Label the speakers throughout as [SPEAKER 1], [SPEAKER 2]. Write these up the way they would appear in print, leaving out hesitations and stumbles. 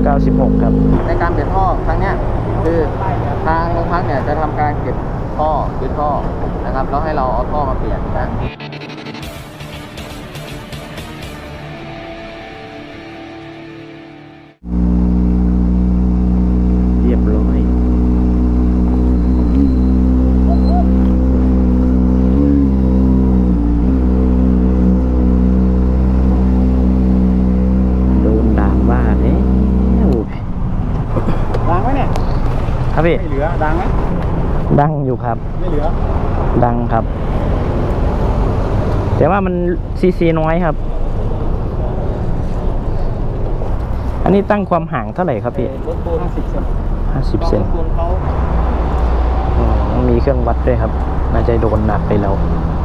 [SPEAKER 1] 96ครับ
[SPEAKER 2] ในการเปลี่ยนท่อครั้งนี้คือทางโรงพักเนี่ยจะทำการเก็บท่อยึดท่อนะครับแล้วให้เราเอาท่อมาเปลี่ยนนะ
[SPEAKER 1] เรียบร้อยโดนด่าว่าเนี่ย
[SPEAKER 3] ดังไหมเนี่ย
[SPEAKER 1] ครับพี่
[SPEAKER 3] ไม่เหลือดังไหม
[SPEAKER 1] ดังอยู่ครับ
[SPEAKER 3] ไม่เหลือ
[SPEAKER 1] ดังครับแต่ว่ามันซีน้อยครับอันนี้ตั้งความห่างเท่าไหร่ครับพี่
[SPEAKER 2] รถปูน
[SPEAKER 1] 50 เซนมีเครื่องวัดด้วยครับน่าจะโดนหนักไปแล้ว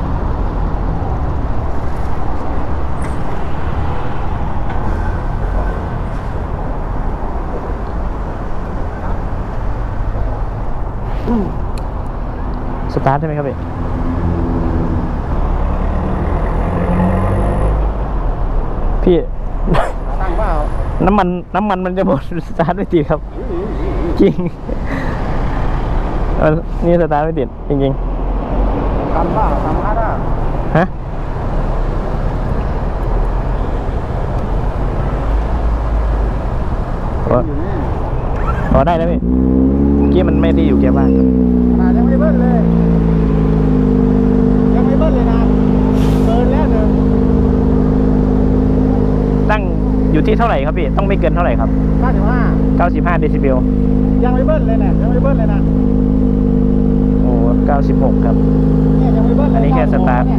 [SPEAKER 1] สตาร์ทได้ไหมครับพี่
[SPEAKER 2] ตั้งเปล่า
[SPEAKER 1] น้ำมันมันจะหมดสตาร์ทไม่ติดครับจริงนี่สตาร์ทไม่ติดจริง
[SPEAKER 3] ทำป่ะทำอ่ะ
[SPEAKER 1] ฮะได้แล้วพี่เมื่อกี้มันไม่ได้อยู่แก้บ้าน
[SPEAKER 3] ยังไม่เบิ้ลเลยนะเกินแล้วหนึ่ง
[SPEAKER 1] ตั้งอยู่ที่เท่าไหร่ครับพี่ต้องไม่เกินเท่าไหร่ครับ95 เดซิเบล
[SPEAKER 3] ยังไม่เบิ้ลเลยนะ
[SPEAKER 1] โอ้96ครับ
[SPEAKER 3] เนี่ยยังไม่เบิ้ล
[SPEAKER 1] อันนี้แค่สตาร์ท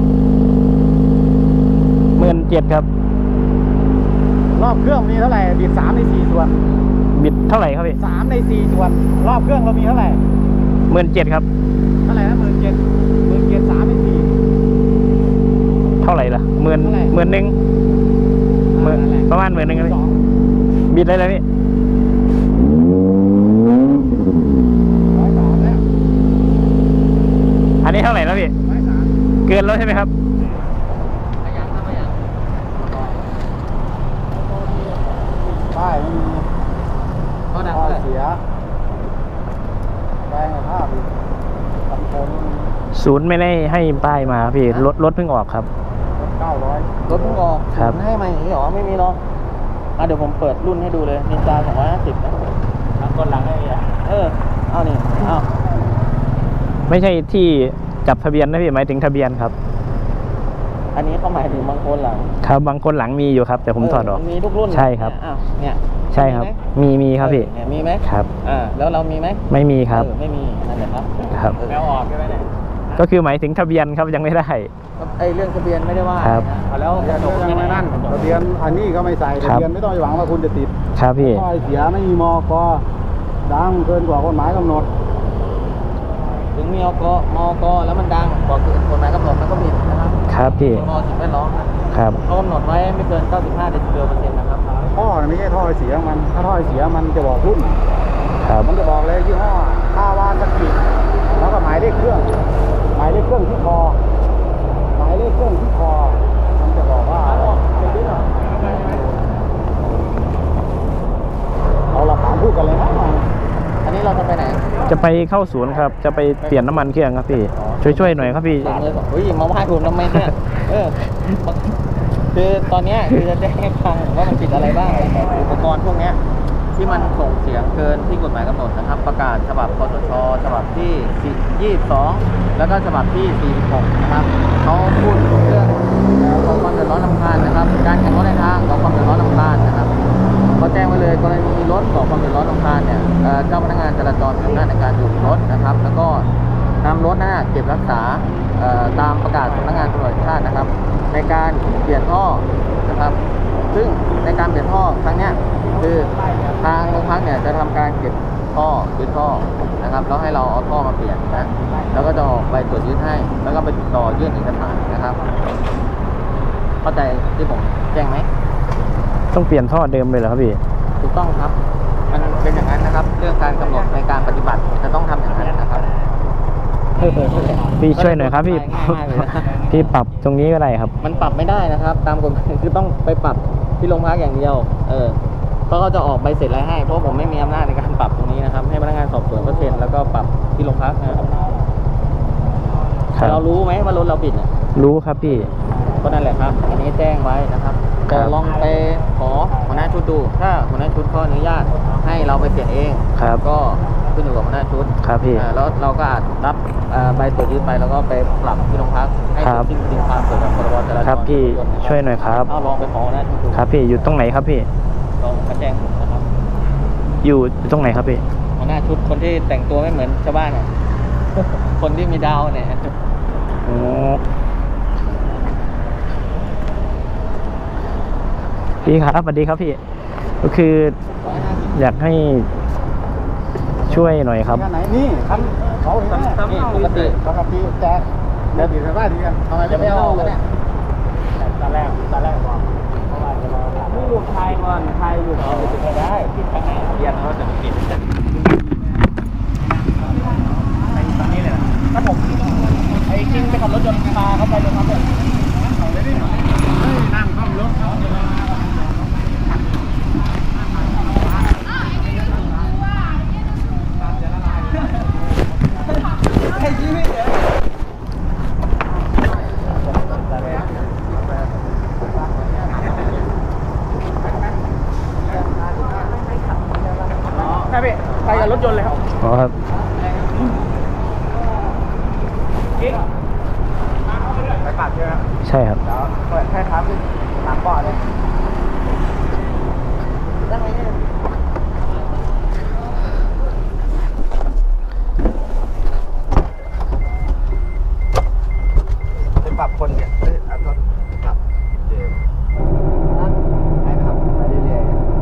[SPEAKER 1] 17,000ครับ
[SPEAKER 3] รอบเครื่องมีเท่าไหร่บิด3 ใน 4 ส่วน
[SPEAKER 1] บิดเท่าไหร่ครับพี่
[SPEAKER 3] 3 ใน 4 ส่วนรอบเครื่องเรามีเท่าไหร่
[SPEAKER 1] 17,000ครับ
[SPEAKER 3] เท่าไหร่นะ17,000 3 ใน 4
[SPEAKER 1] เท่าไหร่ล่ะ11,000ประมาณ11,000ครับบิดได้เลยพี่อันนี้เท่าไหร่แล้วพี่เกินแล้วใช่ไหมครับ
[SPEAKER 3] ป้ายไม่มี
[SPEAKER 2] ท่อ
[SPEAKER 3] เสียแรงภาพอีก
[SPEAKER 1] ศูนย์ไม่ได้ให้ป้ายมาพี่รถเพิ่งออกครับ
[SPEAKER 3] 900
[SPEAKER 2] รถเพิ่งออก
[SPEAKER 1] ครับ
[SPEAKER 2] ให้มาอย่างนี้หรอไม่มีเนาะเดี๋ยวผมเปิดรุ่นให้ดูเลยนินจา250นะ
[SPEAKER 3] ก้นหลังไอ้
[SPEAKER 2] เอานี่
[SPEAKER 1] ไม่ใช่ที่จับทะเบียนนะพี่หมายถึงทะเบียนครับ
[SPEAKER 2] อันนี้เขาหมายถึงบางคนหลัง
[SPEAKER 1] ครับบางคนหลังมีอยู่ครับแต่ผมถอดออก
[SPEAKER 2] มีทุกรุ่น
[SPEAKER 1] ใช่ครับ
[SPEAKER 2] เนี่ย
[SPEAKER 1] ใช่ครับมีครับพี่
[SPEAKER 2] มีไหม
[SPEAKER 1] ครับ
[SPEAKER 2] แล้วเรามีไหม
[SPEAKER 1] ไม่มีครับ
[SPEAKER 2] ไม่มีนั่นแหละ
[SPEAKER 1] ครับ
[SPEAKER 3] แล้วออกใช่ไหมเนี่ย
[SPEAKER 1] ก็คือหมายถึงทะเบียนครับยังไม่ได้
[SPEAKER 2] เรื่องทะเบียนไม่ได้ว่า
[SPEAKER 1] ครับ
[SPEAKER 3] แล้วยังไม่นั่นทะเบียนอันนี้ก็ไม่ใส่ทะเบียนไม่ต้องหวังว่าคุณจะติด
[SPEAKER 1] ครับพี่
[SPEAKER 3] ข้อเสียไม่มีมก.ดังเกินกว่ากฎหมายกำหนด
[SPEAKER 2] ถึงมีมก.แล้วมันดังกว่ากฎหมายกำหนดมันก็ผิดนะครับ
[SPEAKER 1] ครับพี่
[SPEAKER 2] สิ่งแวดล้อม
[SPEAKER 1] ครับ
[SPEAKER 2] เขากำหนดไว้ไม่เกิน95 เดซิเบล%นะครับ
[SPEAKER 3] ท่อไม่ใช่ท่อเสียมันถ้าท่อเสียมันจะบอกรุ่นมันจะบอกเลยยี่ห้อค่าวานสกิดแล้วก็หมายเลขเครื่องที่คอมันจะบอกว่าเอาหลักฐานพูดกันเลยนะ
[SPEAKER 2] อันนี้เราจะไปไหน
[SPEAKER 1] จะไปเข้าศูนย์ครับจะไปเปลี่ยนน้ำมันเครื่องครับพี่ช่วยหน่อยครับพี่
[SPEAKER 2] มาไหว้ผมทำไมเนี่ยคือตอนนี้คือจะแจ้งให้ฟังว่ามันผิดอะไรบ้างอุปกรณ์พวกนี้ที่มันส่งเสียงเกินที่กฎหมายกำหนดนะครับประกาศฉบับคสช.ฉบับที่22แล้วก็ฉบับที่46นะครับเขาพูดเรื่องของความเดือดร้อนรำคาญนะครับการแข่งรถในทางของความเดือดร้อนรำคาญนะครับเขาแจ้งไว้เลยกรณีรถก่อความเดือดร้อนรำคาญเนี่ยเจ้าพนักงานจราจรมีอำนาจในการหยุดรถนะครับแล้วก็นำรถนั้นเก็บรักษาตามประกาศสำนักงานตำรวจแห่งชาตินะครับในการเปลี่ยนท่อนะครับซึ่งในการเปลี่ยนท่อครั้งนี้คือทางโรงพักเนี่ยจะทำการเก็บท่อยึดท่อนะครับแล้วให้เราเอาท่อมาเปลี่ยนนะแล้วก็จะออกใบตรวจยึดให้แล้วก็ไปติดต่อยื่นเอกสารนะครับเข้าใจที่ผมแจ้งไหม
[SPEAKER 1] ต้องเปลี่ยนท่อเดิมเลยเหรอครับพี่
[SPEAKER 2] ถูกต้องครับมันเป็นอย่างนั้นนะครับเรื่องการกำหนดในการปฏิบัติจะต้องทำอย่างนั้นนะครับ
[SPEAKER 1] พี่ช่วยหน่อยครับพี่ปรับตรงนี้ก็ได้ครับ
[SPEAKER 2] มันปรับไม่ได้นะครับตามกฎหมายคือต้องไปปรับที่โรงพักอย่างเดียวก็เขาจะออกใบเสร็จอะไรให้เพราะผมไม่มีอำนาจในการปรับตรงนี้นะครับให้พนักงานสอบสวนก็เซ็นแล้วก็ปรับที่โรงพักนะครับ
[SPEAKER 1] ครับ
[SPEAKER 2] เรารู้ไหมว่ารถเราผิดเนี่ย
[SPEAKER 1] รู้ครับพี่
[SPEAKER 2] ก็นั่นแหละครับ อันนี้แจ้งไว้นะครับ
[SPEAKER 1] ครั
[SPEAKER 2] ก็
[SPEAKER 1] บ
[SPEAKER 2] ลองไปขอหัวหน้าชุดดู ถ้าหัวหน้าชุดเขาอนุญาตให้เราไปเปลี่ยนเอง
[SPEAKER 1] ครับ
[SPEAKER 2] ก็ขึ้นอยู่กับหัวหน้าชุด
[SPEAKER 1] ครับพี่
[SPEAKER 2] แล้วเราก็อาจรับใบตรวจยึดไปแล้วก็ไปปรับที่โรงพักให้
[SPEAKER 1] ครับ
[SPEAKER 2] ถึงจริงความเกี่ยวกับพรบจราจร
[SPEAKER 1] ครับพี่ช่วยหน่อยครับ
[SPEAKER 2] เอาลองไปขอหัวหน้าชุดดู
[SPEAKER 1] ครับพี่อยู่ตรงไหนครับพี่
[SPEAKER 2] ลองมาแจ้งผมนะครับ
[SPEAKER 1] อยู่ตรงไหนครับพี่
[SPEAKER 2] หัวหน้าชุดคนที่แต่งตัวไม่เหมือนชาวบ้านอ่ะ คนที่มีดาวเนี่ย
[SPEAKER 1] โอ้พี่ครับสวัสดีครับพี่ ก็คืออยากให้ช่วยหน่อยครับ
[SPEAKER 3] ไหนนี่คันเขาเห็นไหม
[SPEAKER 2] นี่ปกติ
[SPEAKER 3] ปกติแจกเดี๋ยวถึงบ้านดีกันทำไม
[SPEAKER 2] จะไม่เอากันเนี่ย
[SPEAKER 3] ตอนแรกบอกเพราะว่าจะรอ
[SPEAKER 2] ไม่ลูกชายก่อนชายอยู่เอาไปถึงได้ที่ทางไหนเรียนเขาจะมาปิดกันตอนนี้เลยถ้าผมไอ้กิ้งไปขับรถยนต์พาเขาไปเลยครับเนี่ย
[SPEAKER 3] นั่งข้ามรถเขา
[SPEAKER 2] ใช่พี่ไปกับรถยนต์เลยครับ
[SPEAKER 1] อ๋อครับ
[SPEAKER 3] ไปปัดใช่ไหม
[SPEAKER 1] ใช่ครับ
[SPEAKER 3] เดี๋ยวเปิดแค่ครับหลังเบาะเลยไปปรับคนเนี่ยเอารถปรับเจมให้ขับไปเรื่อย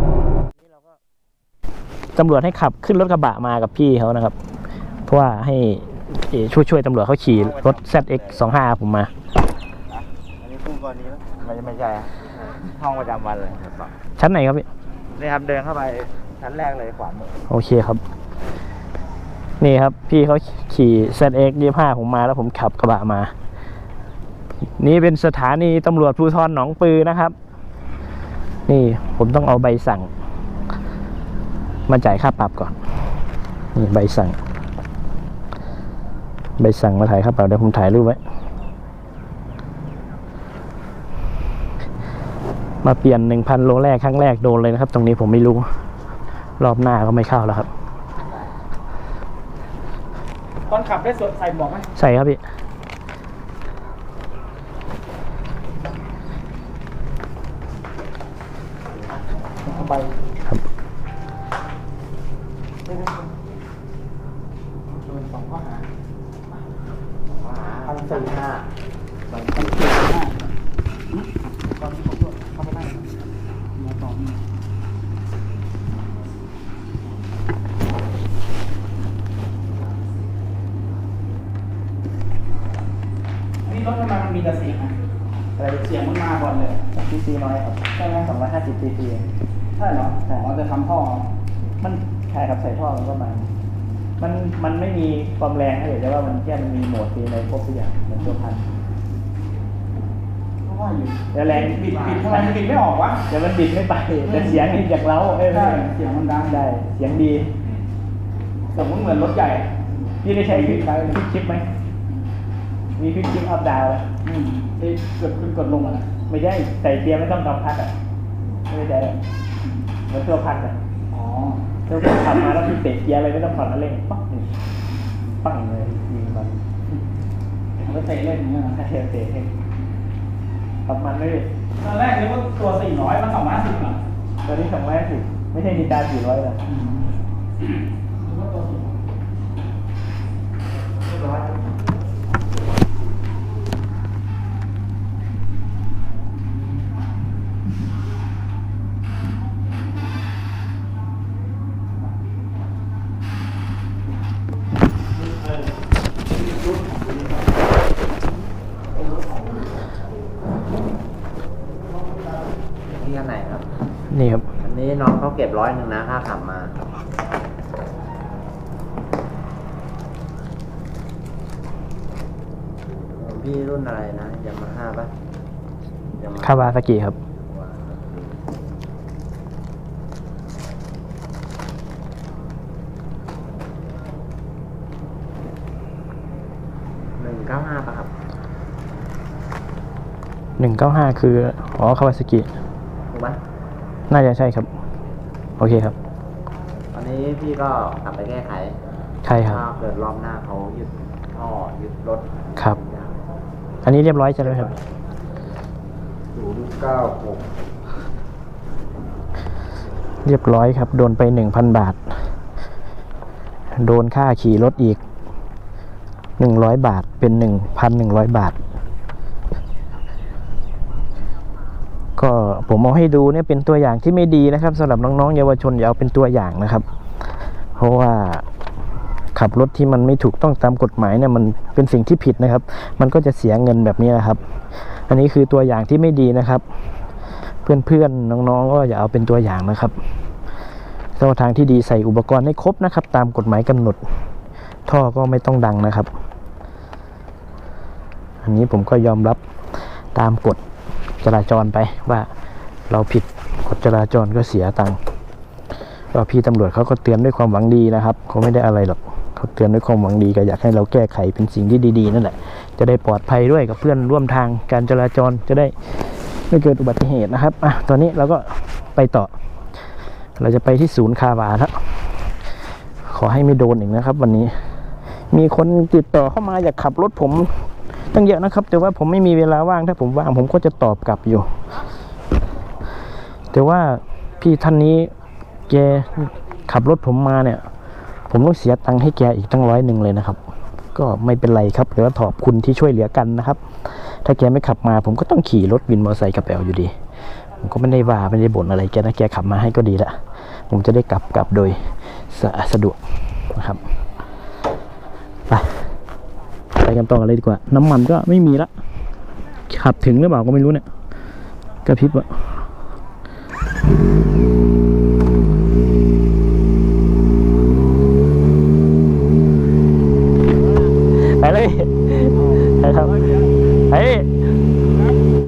[SPEAKER 1] ตำรวจให้ขับขึ้นรถกระบะมากับพี่เขานะครับ เพราะว่าให้ช่วยตำรวจเขาขี่รถ ZX25 ผมมา
[SPEAKER 3] ๆอันนี้คู่กรณีไหมไม่ใช่อะห้องประจำวันเลยครับ
[SPEAKER 1] ชั้นไหนครับพี่
[SPEAKER 3] นี่ครับเดินเข้าไปชั้นแรกเลยขวามือ
[SPEAKER 1] โอเคครับ นี่ครับ พี่เขาขี่ ZX25 ผมมาแล้วผมขับกระบะมา นี่เป็นสถานีตำรวจภูธรหนองปือนะครับ นี่ผมต้องเอาใบสั่งมาจ่ายค่าปรับก่อน นี่ใบสั่งมาถ่ายค่าปรับเดี๋ยวผมถ่ายรูปไว้ มาเปลี่ยน 1,000 โลแรกครั้งแรกโดนเลยนะครับ ตรงนี้ผมไม่รู้ รอบหน้าก็ไม่เข้าแล้วครับ
[SPEAKER 2] ตอนขับได้ใส่หมวกไหม
[SPEAKER 1] ใส่ครับพี่
[SPEAKER 2] ไป
[SPEAKER 1] ครับ
[SPEAKER 2] โดน2 ข้อหานี่รถทำไมมันมีแต่เสียงอะอะไรเสียงมันมาก่อนเลย
[SPEAKER 1] ซีซีน้อยครับ
[SPEAKER 2] ใช่ไหม
[SPEAKER 1] 250 cc
[SPEAKER 2] ใช่เหรออ๋อจะทำท่อ
[SPEAKER 1] มันใช่ครับใส่ท่อมันก็มามันไม่มีความแรงนะเดี๋ยวจะว่ามันแค่มันมีโหมดมีอะไรครบทุกอย่างเหมือนตัวพัน
[SPEAKER 2] เพราะว่าอยู่
[SPEAKER 1] แต่แรง
[SPEAKER 2] บิดทำไมมันบิดไม่ออกวะ
[SPEAKER 1] แต่มันบิดไม่ไปแต่เสียงนี่จากเล้าไม่
[SPEAKER 2] ใช่เสียงมันดัง
[SPEAKER 1] ได้เสียงดี
[SPEAKER 2] สมมติเหมือนรถใหญ่
[SPEAKER 1] พี่ได้ใช้คลิปคลิปไหมมีคลิปอัพดาวแล้ว
[SPEAKER 2] ที่กดขึ้นกดลงอ่ะ
[SPEAKER 1] ไม่ใช่ใส่เกียร์ไม่ต้องกำพัดอ่ะไม่ได้เหมือนตัวพันอ่ะ
[SPEAKER 2] อ๋อ
[SPEAKER 1] ถ้าขับมาแล้วพี่เตะเกียร์อะไรไม่ต้องผ่อนแล้วเร่งปั๊บปังเลยยิงมัน
[SPEAKER 2] มันเตะเล่นอย่างเงี้ยนะ
[SPEAKER 1] ถ้าเทเตะเองขับมันไม่ได้
[SPEAKER 2] ตอนแรกนึกว่าตัว400มัน250อ่ะ
[SPEAKER 1] ตอนนี้250ไม่ใช่นินจา400แล้ว
[SPEAKER 2] นึกว่าตัว400
[SPEAKER 3] ที่อันไหนครับ
[SPEAKER 1] นี่ครับ
[SPEAKER 3] อันนี้น้องเขาเก็บ100นะค่าขับมาพี่รุ่นอะไรนะยามาฮ่าป่ะ
[SPEAKER 1] คาวาซากิครับ
[SPEAKER 2] 195ป่ะครับ
[SPEAKER 1] 195 คืออ๋อคาวาซากิ
[SPEAKER 2] ถูกไหม
[SPEAKER 1] น่าจะใช่ครับ โอเคครับ
[SPEAKER 2] ตอนนี้พี่ก็กลับไปแก้ไข
[SPEAKER 1] ใช่ครับ
[SPEAKER 2] ถ้าเกิดรอบหน้าเขายึดท่อยึดรถ
[SPEAKER 1] ครับ อันนี้เรียบร้อยใช่ไหมครับ
[SPEAKER 3] 096
[SPEAKER 1] เรียบร้อยครับ โดนไป 1,000 บาท โดนค่าขี่รถอีก 100 บาท เป็น 1,100 บาท ก็ผมเอาให้ดูเนี่ยเป็นตัวอย่างที่ไม่ดีนะครับสำหรับน้องๆเยาวชนอย่าเอาเป็นตัวอย่างนะครับ เพราะว่าขับรถที่มันไม่ถูกต้องตามกฎหมายเนี่ยมันเป็นสิ่งที่ผิดนะครับ มันก็จะเสียเงินแบบนี้นะครับ อันนี้คือตัวอย่างที่ไม่ดีนะครับ เพื่อนๆน้องๆก็อย่าเอาเป็นตัวอย่างนะครับเส้นทางที่ดีใส่อุปกรณ์ให้ครบนะครับ ตามกฎหมายกำหนด ท่อก็ไม่ต้องดังนะครับ อันนี้ผมก็ยอมรับตามกฎจราจรไปว่าเราผิดกฎจราจรก็เสียตังค์ก็พี่ตำรวจเขาก็เตือนด้วยความหวังดีนะครับเขาไม่ได้อะไรหรอกเขาเตือนด้วยความหวังดีก็อยากให้เราแก้ไขเป็นสิ่งที่ดีๆนั่นแหละจะได้ปลอดภัยด้วยกับเพื่อนร่วมทางการจราจรจะได้ไม่เกิดอุบัติเหตุนะครับตอนนี้เราก็ไปต่อเราจะไปที่ศูนย์คาวาครับขอให้ไม่โดนอีกนะครับ วันนี้มีคนติดต่อเข้ามาอยากขับรถผมตั้งเยอะนะครับแต่ว่าผมไม่มีเวลาว่างถ้าผมว่างผมก็จะตอบกลับอยู่แต่ว่าพี่ท่านนี้แกขับรถผมมาเนี่ยผมต้องเสียตังค์ให้แกอีกตั้ง100เลยนะครับก็ไม่เป็นไรครับหรือว่าขอบคุณที่ช่วยเหลือกันนะครับถ้าแกไม่ขับมาผมก็ต้องขี่รถวินมอเตอร์ไซค์กลับแอลอยู่ดีผมก็ไม่ได้ว่าไม่ได้บ่นอะไรแกนะแกขับมาให้ก็ดีละผมจะได้กลับโดยสะดวกนะครับไปกันต่อเลยดีกว่าน้ำมันก็ไม่มีละขับถึงหรือเปล่าก็ไม่รู้เนี่ยกระพริบอะ